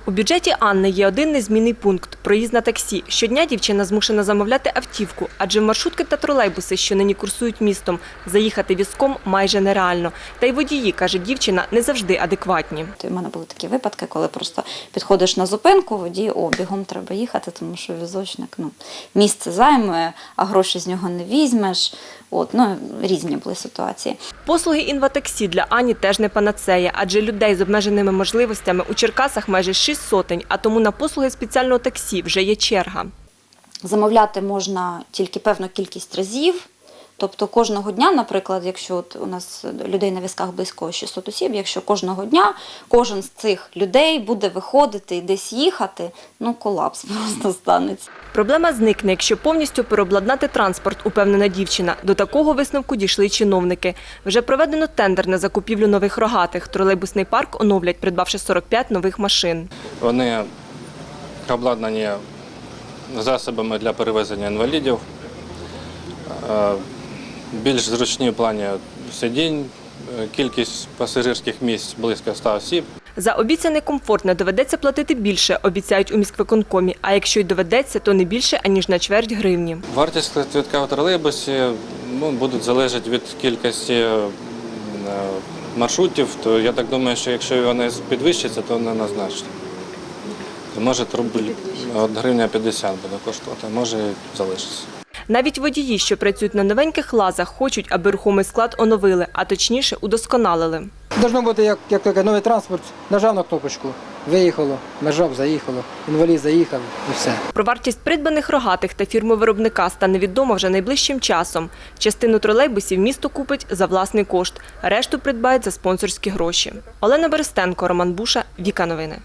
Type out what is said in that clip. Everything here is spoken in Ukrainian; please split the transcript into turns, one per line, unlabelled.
У бюджеті Анни є один незмінний пункт – проїзд на таксі. Щодня дівчина змушена замовляти автівку, адже в маршрутки та тролейбуси, що нині курсують містом, заїхати візком майже нереально. Та й водії, каже дівчина, не завжди адекватні.
У мене були такі випадки, коли просто підходиш на зупинку, водій, бігом треба їхати, тому що візочник місце займе, а гроші з нього не візьмеш. Різні були ситуації.
Послуги інватаксі для Ані теж не панацея, адже людей з обмеженими можливостями у Черкасах майже 6 сотень, а тому на послуги спеціального таксі вже є черга.
Замовляти можна тільки певну кількість разів. Тобто кожного дня, наприклад, якщо у нас людей на візках близько 600 осіб, якщо кожного дня кожен з цих людей буде виходити і десь їхати, колапс просто станеться.
Проблема зникне, якщо повністю переобладнати транспорт, упевнена дівчина. До такого висновку дійшли чиновники. Вже проведено тендер на закупівлю нових рогатих. Тролейбусний парк оновлять, придбавши 45 нових машин.
Вони обладнані засобами для перевезення інвалідів, більш зручні в плані сидінь, кількість пасажирських місць близько 100 осіб.
За обіцяний комфорт не доведеться платити більше, обіцяють у міськвиконкомі. А якщо й доведеться, то не більше, аніж на чверть гривні.
Вартість квитка в тролейбусі буде залежати від кількості маршрутів. То я так думаю, що якщо вони підвищаться, то не назначно. Може, гривня 50 буде коштувати, може і залишиться.
Навіть водії, що працюють на новеньких лазах, хочуть, аби рухомий склад оновили, а точніше удосконалили.
Должно бути, як новий транспорт, нажав на кнопочку, виїхало, нажав, заїхало, інвалід заїхав і все.
Про вартість придбаних рогатих та фірму виробника стане відомо вже найближчим часом. Частину тролейбусів місто купить за власний кошт, решту придбають за спонсорські гроші. Олена Берестенко, Роман Буша, Віка Новини.